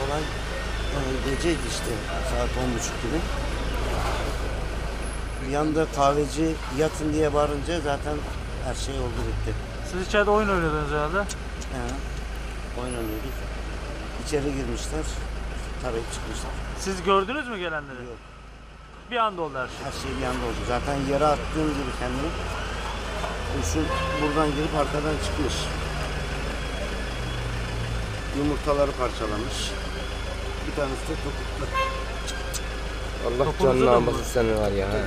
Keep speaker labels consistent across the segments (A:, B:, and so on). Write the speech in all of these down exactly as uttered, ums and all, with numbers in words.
A: olay e, geceydi işte saat on buçuk gibi. Bir yanda kahveci yatın diye bağırınca zaten her şey oldu bitti.
B: Siz içeride oyun oynuyordunuz herhalde.
A: He, oynanıyorduk. İçeri girmişler, tarayıp çıkmışlar.
B: Siz gördünüz mü gelenleri?
A: Yok.
B: Bir anda oldu her şey.
A: Her şey bir anda oldu. Zaten yere attığım gibi kendimi. Kurşun buradan girip arkadan çıkmış. Yumurtaları parçalamış. Bir tanesi de topuklu.
C: Allah
B: Topunuzu
C: canını
B: da
C: almasın
B: mı?
C: seni var ya. he.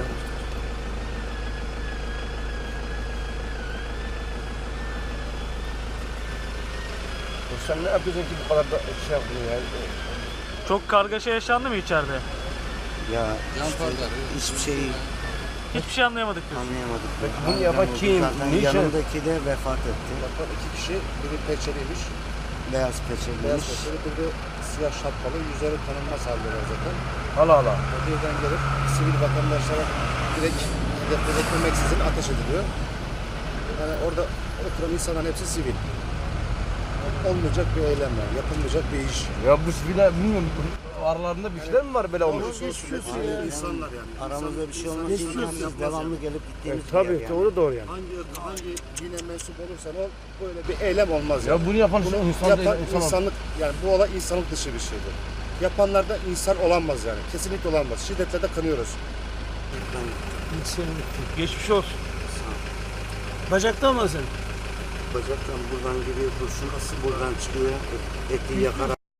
C: Sen ne yapıyorsun ki bu kadar da şey yapıyorsun ya?
B: Çok kargaşa yaşandı mı içeride?
A: Ya işte hiçbir şeyi
B: Hiçbir şey anlayamadık diyorsun.
A: anlayamadık.
C: Peki bunu yapan kim?
A: Zaten
C: Niçin?
A: yanındaki de vefat etti.
D: Bakan iki kişi, biri peçeliymiş,
A: Beyaz peçeliymiş.
D: beyaz peçeli, biri de siyah şapkalı, yüzleri tanınmaz haldeler zaten.
C: Hala hala.
D: O birden gelip sivil vatandaşlara direkt hedef etmemeksizin ateş ediliyor. Yani orada oturan insanların hepsi sivil. Olmayacak bir eylem yani, yapılmayacak bir iş.
C: Ya bu siviller bilmiyorum. Aralarında bir şeyler mi var böyle olmuş?
D: Yani insanlar yani.
A: Aramızda bir şey olmaz. Biz devamlı gelip gittiğimiz bir
C: Tabii
A: yer yani.
C: doğru doğru yani.
D: Hangi ırka, hangi dine mensup olursan ol, böyle bir eylem olmaz yani.
C: Ya bunu yapan
D: Bunu
C: insan
D: yapan
C: değil, insan
D: insanlık, yani bu olay insanlık dışı bir şeydir. Yapanlar da insan olamaz yani. Kesinlikle olamaz. Şiddetle de kanıyoruz.
B: Geçmiş olsun.
E: Bacakta mı sen?
A: Bacaktan buradan giriyor kurşun. Buradan çıkıyor. Eti yakarak.